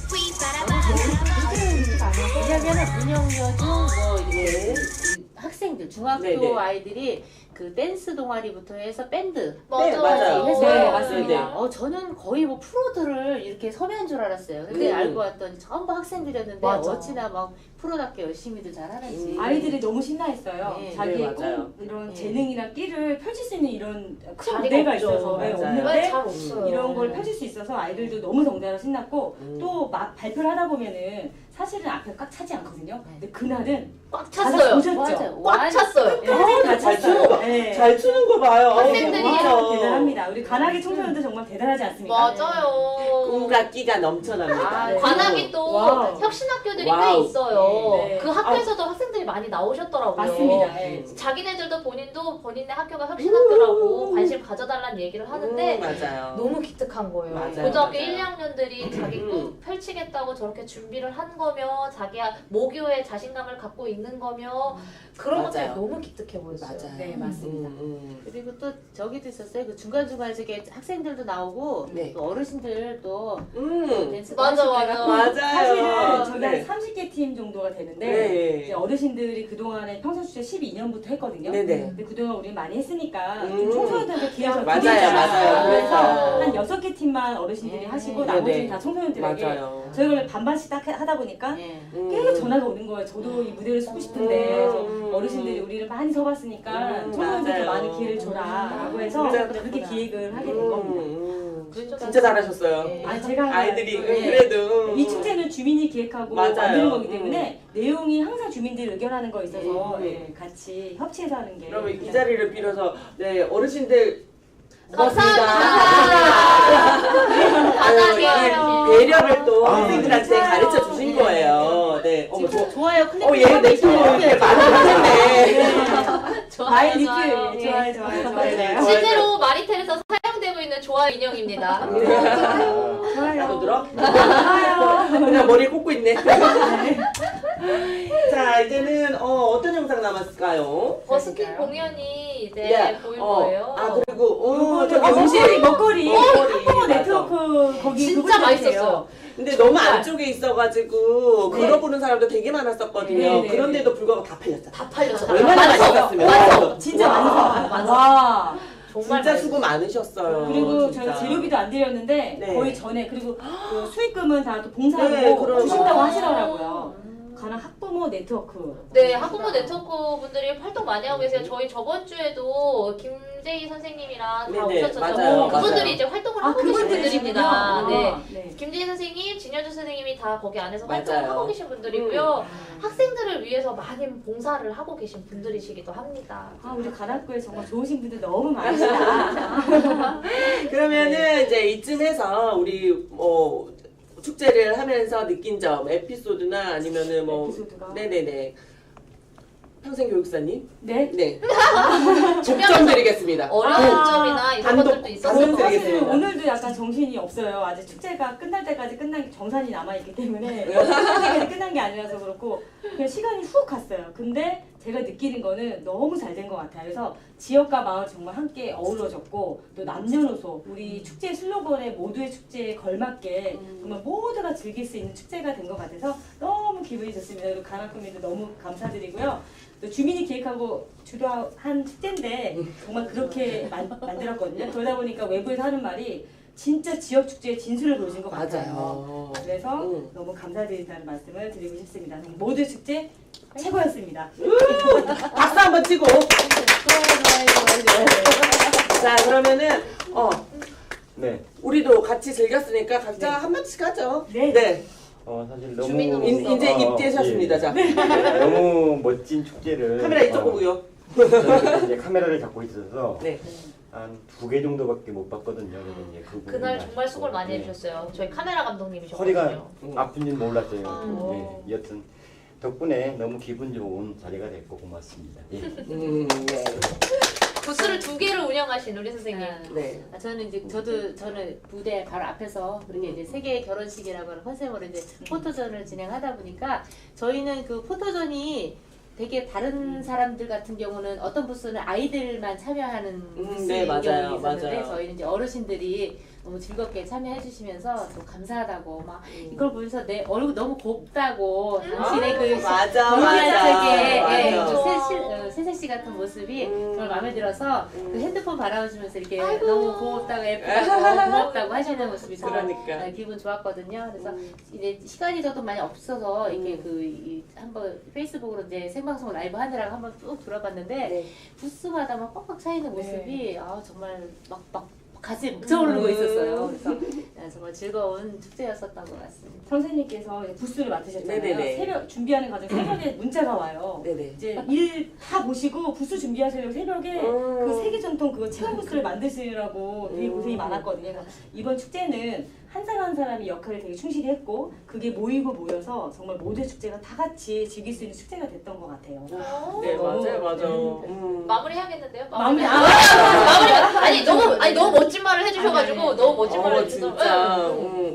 [SPEAKER 8] 왜냐면은 문영여중 이렇게 학생들 중학교
[SPEAKER 1] 네네.
[SPEAKER 8] 아이들이 그 댄스 동아리부터 해서 밴드
[SPEAKER 1] 네, 맞아요.
[SPEAKER 8] 했어요.
[SPEAKER 3] 네, 맞습니다.
[SPEAKER 8] 저는 거의 뭐 프로들을 이렇게 섭외한 줄 알았어요. 근데 알고 봤더니 전부 학생들이었는데
[SPEAKER 2] 맞아.
[SPEAKER 8] 어찌나 막 프로답게 열심히들 잘하는지.
[SPEAKER 3] 아이들이 너무 신나했어요.
[SPEAKER 8] 네,
[SPEAKER 3] 자기의
[SPEAKER 1] 네, 맞아요.
[SPEAKER 3] 꿈, 이런
[SPEAKER 8] 네.
[SPEAKER 3] 재능이나 끼를 펼칠 수 있는 이런 큰
[SPEAKER 2] 자리가
[SPEAKER 3] 무대가
[SPEAKER 2] 없죠.
[SPEAKER 3] 있어서 네,
[SPEAKER 1] 맞아요.
[SPEAKER 2] 왜
[SPEAKER 3] 없는데
[SPEAKER 2] 잘 없어요.
[SPEAKER 3] 이런 걸 펼칠 수 있어서 아이들도 너무 덩달아 신났고 또 막 발표를 하다 보면은 사실은 앞에 꽉 차지 않거든요. 근데 그날은
[SPEAKER 2] 꽉
[SPEAKER 3] 다들
[SPEAKER 2] 찼어요.
[SPEAKER 3] 보셨죠?
[SPEAKER 8] 맞아요.
[SPEAKER 2] 꽉 찼어요.
[SPEAKER 3] 다
[SPEAKER 1] 잘
[SPEAKER 3] 찼어요.
[SPEAKER 1] 추는 거,
[SPEAKER 3] 네.
[SPEAKER 1] 잘 추는 거 봐요.
[SPEAKER 2] 학생들이
[SPEAKER 3] 와, 대단합니다. 우리 관악의 청소년들 정말 대단하지 않습니까?
[SPEAKER 2] 맞아요.
[SPEAKER 1] 꿈과 끼가 넘쳐납니다.
[SPEAKER 2] 아,
[SPEAKER 3] 네.
[SPEAKER 2] 관악이 또
[SPEAKER 3] 와우.
[SPEAKER 2] 혁신학교들이
[SPEAKER 1] 와우.
[SPEAKER 2] 꽤 있어요.
[SPEAKER 3] 네, 네.
[SPEAKER 2] 그 학교에서도 학생들이 많이 나오셨더라고요.
[SPEAKER 3] 맞습니다. 네.
[SPEAKER 2] 자기네들도 본인의 학교가 혁신학교라고 관심 가져달라는 얘기를 하는데
[SPEAKER 1] 맞아요.
[SPEAKER 2] 너무 기특한 거예요.
[SPEAKER 1] 맞아요,
[SPEAKER 2] 고등학교
[SPEAKER 1] 맞아요.
[SPEAKER 2] 1, 2학년들이 자기 꿈 펼치겠다고 저렇게 준비를 한 거며 자기가 모교에 자신감을 갖고 있는 거며 그런 것들이
[SPEAKER 1] 맞아요.
[SPEAKER 2] 너무 기특해 보였어요.
[SPEAKER 1] 맞아요.
[SPEAKER 3] 네, 맞습니다.
[SPEAKER 8] 그리고 또 저기도 있었어요. 그 중간중간에 저게 학생들도 나오고
[SPEAKER 1] 네.
[SPEAKER 8] 또 어르신들 또 댄스도
[SPEAKER 2] 맞아,
[SPEAKER 8] 하시고
[SPEAKER 2] 맞아.
[SPEAKER 8] 해갖고
[SPEAKER 1] 맞아요.
[SPEAKER 3] 사실은 저희가
[SPEAKER 1] 네.
[SPEAKER 3] 한 30개 팀 정도가 되는데
[SPEAKER 1] 네.
[SPEAKER 3] 이제 어르신들이 그동안에 평산축제 12년부터 했거든요.
[SPEAKER 1] 네네.
[SPEAKER 3] 근데 그동안 우리 많이 했으니까
[SPEAKER 1] 음.
[SPEAKER 3] 좀 청소년들한테 기회가 좀
[SPEAKER 1] 맞아요,
[SPEAKER 3] 드리자.
[SPEAKER 1] 맞아요.
[SPEAKER 3] 그래서
[SPEAKER 1] 그래서.
[SPEAKER 3] 한 6개 팀만 어르신들이 하시고
[SPEAKER 1] 네네.
[SPEAKER 3] 나머지는 다 청소년들에게
[SPEAKER 1] 맞아요.
[SPEAKER 3] 저희가 원래 반반씩 딱 하다 보니까
[SPEAKER 8] 예.
[SPEAKER 3] 계속 전화가 오는 거예요. 저도 이 무대를 서고 싶은데
[SPEAKER 1] 음.
[SPEAKER 3] 그래서 어르신들이 우리를 많이 서봤으니까 청소년들도
[SPEAKER 1] 맞아요.
[SPEAKER 3] 많이 기회를 줘라라고 해서
[SPEAKER 1] 진짜
[SPEAKER 3] 그렇게 기획을 하게 된 겁니다.
[SPEAKER 1] 진짜 잘하셨어요.
[SPEAKER 8] 예.
[SPEAKER 3] 아, 제가 한
[SPEAKER 1] 아이들이
[SPEAKER 3] 거예요.
[SPEAKER 1] 그래도
[SPEAKER 3] 이 축제는 주민이 기획하고
[SPEAKER 1] 맞아요.
[SPEAKER 3] 만드는 거기 때문에 내용이 항상 주민들이 의견하는 거 있어서
[SPEAKER 1] 음.
[SPEAKER 3] 예, 같이 협치해서 하는 게
[SPEAKER 1] 그러면 이 자리를 빌어서 네 어르신들
[SPEAKER 2] 감사합니다.
[SPEAKER 1] 배려를 또
[SPEAKER 4] 아,
[SPEAKER 1] 학생들한테
[SPEAKER 3] 진짜요.
[SPEAKER 1] 가르쳐 주신 거예요. 네. 어머
[SPEAKER 8] 좋아요. 클릭
[SPEAKER 1] 얘내 또 이렇게 많이 하셨네.
[SPEAKER 3] 마이
[SPEAKER 2] 좋아요,
[SPEAKER 3] 리플
[SPEAKER 2] 좋아요.
[SPEAKER 3] 예, 좋아요 좋아요
[SPEAKER 1] 네.
[SPEAKER 3] 좋아요
[SPEAKER 2] 실제로 마리텔에서 사용되고 있는 좋아요 인형입니다.
[SPEAKER 1] 나도
[SPEAKER 3] 좋아요
[SPEAKER 1] 들어?
[SPEAKER 3] 좋아요
[SPEAKER 1] 그냥 머리 꽂고 있네. 자 이제는 어떤 영상 남았을까요?
[SPEAKER 2] 버스킹 공연이 이제
[SPEAKER 1] 네.
[SPEAKER 2] 보일 거예요.
[SPEAKER 1] 아 그리고 저기
[SPEAKER 3] 먹거리 먹거리
[SPEAKER 1] 먹거리,
[SPEAKER 3] 한국어
[SPEAKER 1] 맞아.
[SPEAKER 3] 네트워크 거기
[SPEAKER 2] 진짜
[SPEAKER 3] 그분
[SPEAKER 2] 맛있었어요.
[SPEAKER 1] 근데 너무 안쪽에 있어가지고
[SPEAKER 3] 네.
[SPEAKER 1] 걸어보는 사람도 되게 많았었거든요.
[SPEAKER 3] 네, 네,
[SPEAKER 1] 그런데도 불구하고 다 팔렸잖아.
[SPEAKER 2] 다 팔렸어.
[SPEAKER 1] 얼마나 맛있었으면.
[SPEAKER 3] 진짜
[SPEAKER 1] 와.
[SPEAKER 3] 많이 와
[SPEAKER 2] 정말
[SPEAKER 1] 진짜
[SPEAKER 2] 맛있었어요.
[SPEAKER 1] 수고 많으셨어요.
[SPEAKER 3] 그리고
[SPEAKER 1] 진짜.
[SPEAKER 3] 저희가 재료비도 안 드렸는데
[SPEAKER 1] 네.
[SPEAKER 3] 거의 전에 그리고 그 수익금은 다 또 봉사하고
[SPEAKER 1] 네, 그럼.
[SPEAKER 3] 주신다고 하시더라고요. 가난 학부모 학부모 네트워크.
[SPEAKER 2] 네, 학부모 네트워크 분들이 활동 많이 하고 계세요. 저희 저번 주에도 김재희 선생님이랑 다
[SPEAKER 1] 네네,
[SPEAKER 2] 오셨었죠.
[SPEAKER 1] 맞아요,
[SPEAKER 2] 그분들이
[SPEAKER 1] 맞아요.
[SPEAKER 2] 이제 활동을
[SPEAKER 3] 아,
[SPEAKER 2] 하고 계신
[SPEAKER 3] 그분들이시군요.
[SPEAKER 2] 분들입니다. 네.
[SPEAKER 3] 네.
[SPEAKER 2] 김재희 선생님, 진현주 선생님이 다 거기 안에서
[SPEAKER 1] 맞아요.
[SPEAKER 2] 활동을 하고 계신 분들이고요. 학생들을 위해서 많은 봉사를 하고 계신 분들이시기도 합니다.
[SPEAKER 3] 아, 우리 가락구에 정말 좋으신 분들 너무 많으시다.
[SPEAKER 1] 그러면은 이제 이쯤에서 우리 축제를 하면서 느낀 점, 에피소드나 아니면은 뭐
[SPEAKER 3] 에피소드가?
[SPEAKER 1] 네네네. 평생 교육사님?
[SPEAKER 3] 네.
[SPEAKER 1] 네. 족점 드리겠습니다.
[SPEAKER 2] 어려운 점이나 이런
[SPEAKER 1] 단독,
[SPEAKER 2] 것들도 있었을
[SPEAKER 1] 단독
[SPEAKER 2] 것 같아요.
[SPEAKER 3] 사실
[SPEAKER 1] 드리겠습니다.
[SPEAKER 3] 오늘도 약간 정신이 없어요. 아직 축제가 끝날 때까지 끝난 정산이 남아있기 때문에 끝까지 끝난 게 아니라서 그렇고 그냥 시간이 훅 갔어요. 근데 제가 느끼는 거는 너무 잘 된 것 같아요. 그래서 지역과 마을 정말 함께 어우러졌고 또 남녀노소 우리 축제 슬로건에 모두의 축제에 걸맞게 정말 모두가 즐길 수 있는 축제가 된 것 같아서 너무 기분이 좋습니다. 그리고 가락구민도 너무 감사드리고요. 또 주민이 기획하고 주도한 축제인데 정말 그렇게 만들었거든요. 그러다 보니까 외부에서 하는 말이 진짜 지역 축제의 진수를 보여준 것 같아요.
[SPEAKER 1] 맞아요.
[SPEAKER 3] 그래서 너무 감사드린다는 말씀을 드리고 싶습니다. 모두 축제 최고였습니다.
[SPEAKER 1] 박수 한번 치고. 자, 그러면은
[SPEAKER 4] 네.
[SPEAKER 1] 우리도 같이 즐겼으니까 각자 한마디씩 하죠.
[SPEAKER 3] 네.
[SPEAKER 1] 네.
[SPEAKER 4] 사실 너무
[SPEAKER 2] 주민으로서.
[SPEAKER 1] 이제 입대하셨습니다.
[SPEAKER 4] 예.
[SPEAKER 1] 자,
[SPEAKER 4] 너무 멋진 축제를
[SPEAKER 1] 카메라 이쪽 보고요.
[SPEAKER 4] 저는 이제 카메라를 잡고 있어서
[SPEAKER 1] 네.
[SPEAKER 4] 한 2개 정도밖에 못 봤거든요. 그래서 이제 그
[SPEAKER 2] 그날
[SPEAKER 4] 부분이
[SPEAKER 2] 정말 수고를 많이
[SPEAKER 4] 네.
[SPEAKER 2] 해주셨어요. 저희 카메라 감독님이셨거든요.
[SPEAKER 4] 허리가 아픈지는 몰랐어요.
[SPEAKER 2] 아.
[SPEAKER 4] 네. 여튼 덕분에 너무 기분 좋은 자리가 됐고 고맙습니다. 예.
[SPEAKER 1] 네.
[SPEAKER 2] 부스를 2개를 운영하신 우리 선생님.
[SPEAKER 1] 네.
[SPEAKER 8] 저는 이제 저는 무대 바로 앞에서 그렇게 이제 세계 결혼식이라고 하는 컨셉으로 이제 포토전을 진행하다 보니까 저희는 그 포토전이 되게 다른 사람들 같은 경우는 어떤 부스는 아이들만 참여하는 부스인
[SPEAKER 1] 네, 맞아요,
[SPEAKER 8] 경우가 있었는데
[SPEAKER 1] 맞아요.
[SPEAKER 8] 저희는 이제 어르신들이 너무 즐겁게 참여해 주시면서 또 감사하다고 막 이걸 보면서 내 얼굴 너무 곱다고 당신의 그
[SPEAKER 1] 맞아,
[SPEAKER 8] 경기자적의
[SPEAKER 1] 맞아.
[SPEAKER 8] 세세 씨 같은 모습이 정말 마음에 들어서 그 핸드폰 바라보시면서 이렇게 너무 고맙다고 예쁘다고 고맙다고 하시는 모습이 정말
[SPEAKER 1] 그러니까.
[SPEAKER 8] 기분 좋았거든요. 그래서 이제 시간이 저도 많이 없어서 이렇게 한번 페이스북으로 이제 생방송 라이브 하느라고 한번 쭉 돌아봤는데
[SPEAKER 1] 네.
[SPEAKER 8] 부스마다 막 꽉꽉 차 있는 모습이 정말 막 가슴이 벅차오르고 있었어요. 그래서 정말 즐거운 축제였었던 것 같습니다.
[SPEAKER 3] 선생님께서 이제 부스를 맡으셨잖아요.
[SPEAKER 1] 네네네.
[SPEAKER 3] 새벽 준비하는 과정 새벽에 문자가 와요.
[SPEAKER 1] 네네.
[SPEAKER 3] 이제 일 다 보시고 부스 준비하시려고 새벽에 그 세계 전통 그거 체험 부스를 만드시느라고 되게 고생이 많았거든요. 그래서 이번 축제는 한 사람 한 사람이 역할을 되게 충실히 했고 그게 모여서 정말 모두의 축제가 다 같이 즐길 수 있는 축제가 됐던 것 같아요.
[SPEAKER 1] 네,
[SPEAKER 3] 너무,
[SPEAKER 1] 맞아요, 맞아요.
[SPEAKER 2] 마무리해야겠는데요?
[SPEAKER 3] 마무리
[SPEAKER 2] 마무리. 아니 너무 멋진 말을 해주셔가지고 너무 멋진 말을 해주셔서.
[SPEAKER 1] 진짜.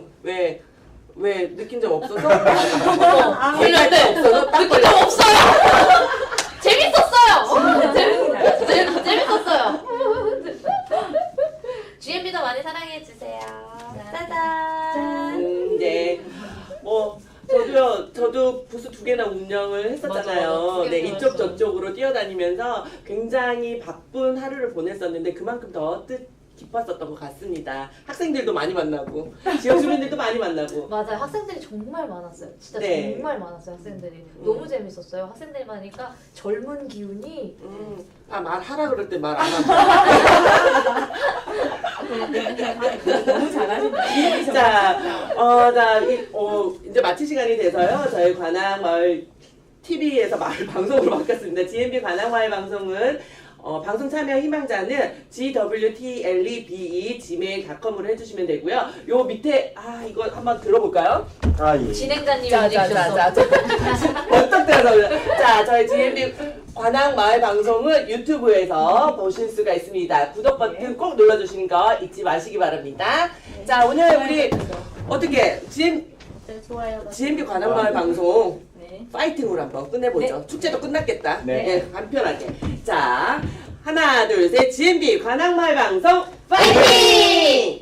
[SPEAKER 1] 왜 느낀 적 없어서? 걸릴 때 없어서? 딱
[SPEAKER 2] 느낀 적 없어요. 재밌었어요. 재밌었어요. GMB도 많이 사랑해 주세요. 짜잔.
[SPEAKER 1] 네. 저도 부스 2개나 운영을 했었잖아요.
[SPEAKER 2] 맞아.
[SPEAKER 1] 네,
[SPEAKER 2] 두개
[SPEAKER 1] 이쪽
[SPEAKER 2] 운영했어요.
[SPEAKER 1] 저쪽으로 뛰어다니면서 굉장히 바쁜 하루를 보냈었는데 그만큼 더 깊었었던 것 같습니다. 학생들도 많이 만나고 지역 주민들도 많이 만나고.
[SPEAKER 2] 맞아요. 학생들이 정말 많았어요. 진짜
[SPEAKER 1] 네.
[SPEAKER 2] 정말 많았어요. 학생들이. 너무 재밌었어요. 학생들이 많으니까 젊은 기운이
[SPEAKER 1] 말하라 그럴 때 말 안 하고.
[SPEAKER 3] 너무 잘하시네요.
[SPEAKER 1] 자, 이제 마칠 시간이 돼서요. 저희 관악마을 TV에서 마을 방송으로 바뀌었습니다. GMB 관악마을 방송은 방송 참여 희망자는 gwtlebe@gmail.com으로 해주시면 되고요. 요 밑에 이거 한번 들어볼까요?
[SPEAKER 4] 예.
[SPEAKER 2] 진행자님이 해주셨어.
[SPEAKER 1] 어떤 때라서 자, 저희 GMB 관악마을 방송은 유튜브에서 보실 수가 있습니다. 구독 버튼 꼭 눌러주시는 거 잊지 마시기 바랍니다. 자, 오늘 우리 어떻게
[SPEAKER 8] 좋아요.
[SPEAKER 1] GMB 관악마을 방송
[SPEAKER 8] 네.
[SPEAKER 1] 파이팅으로 한번 끝내보죠. 축제도 끝났겠다.
[SPEAKER 4] 네.
[SPEAKER 1] 간편하게. 자, 하나, 둘, 셋. GMB 관악마을 방송 파이팅!